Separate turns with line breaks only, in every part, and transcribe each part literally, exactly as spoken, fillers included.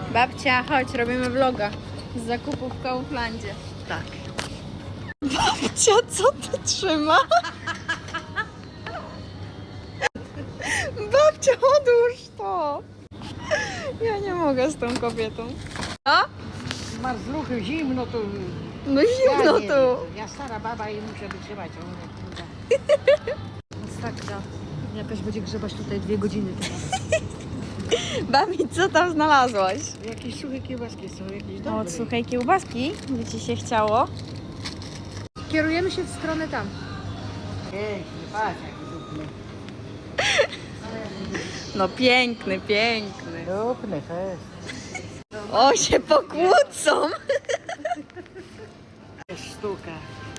Babcia, chodź, robimy vloga z zakupów w Kauflandzie.
Tak.
Babcia, co ty trzyma? Babcia, odłóż to. Ja nie mogę z tą kobietą. A?
Marzluchy, zimno tu.
No zimno
ja nie
tu.
wiem. Ja stara baba i muszę wytrzymać. Masakra. Jakaś będzie grzebać tutaj dwie godziny teraz.
Babi, co tam znalazłaś?
Jakieś suche kiełbaski są, jakieś dobre.
Od suchej kiełbaski, by ci się chciało. Kierujemy się w stronę tam.
Piękny, patrz jaki dupny.
No piękny, piękny.
Dupny fest.
O, się pokłócą.
Jest sztuka.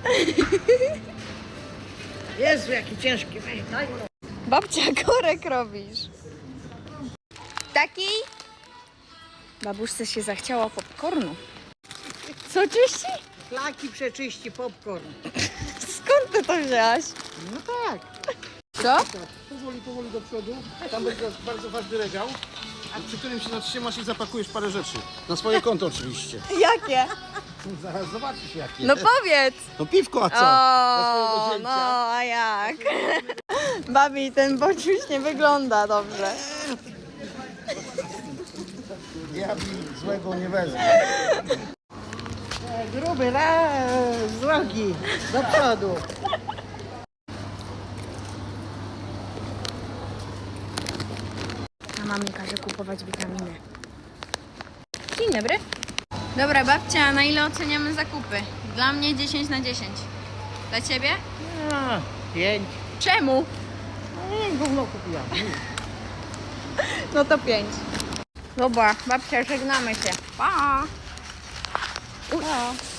Jezu, jaki ciężki. Weź, daj mu.
Babcia, korek robisz. Taki? Babuszce się zachciało popcornu. Co czyści?
Flaki przeczyści, popcorn.
Skąd ty to wzięłaś?
No tak.
Co?
Powoli, powoli do przodu. Tam będzie bardzo ważny regał, przy którym się zatrzymasz i zapakujesz parę rzeczy. Na swoje konto oczywiście.
Jakie?
Zaraz zobaczysz jakie.
No powiedz.
No piwko, a co? Dla swojego
O,
zięcia.
no a jak? Babi, ten bociuś nie wygląda dobrze.
Diabli złego nie wezmę.
E, Gruby, raz, z drogi, do przodu.
A mamie każe kupować witaminy. Dzień dobry. Dobra, babcia, na ile oceniamy zakupy? Dla mnie dziesięć na dziesięć. Dla ciebie?
No, pięć.
Czemu?
No nie, gówno kupiłam.
No to pięć. Dobra, babcia, żegnamy się. Pa!
No.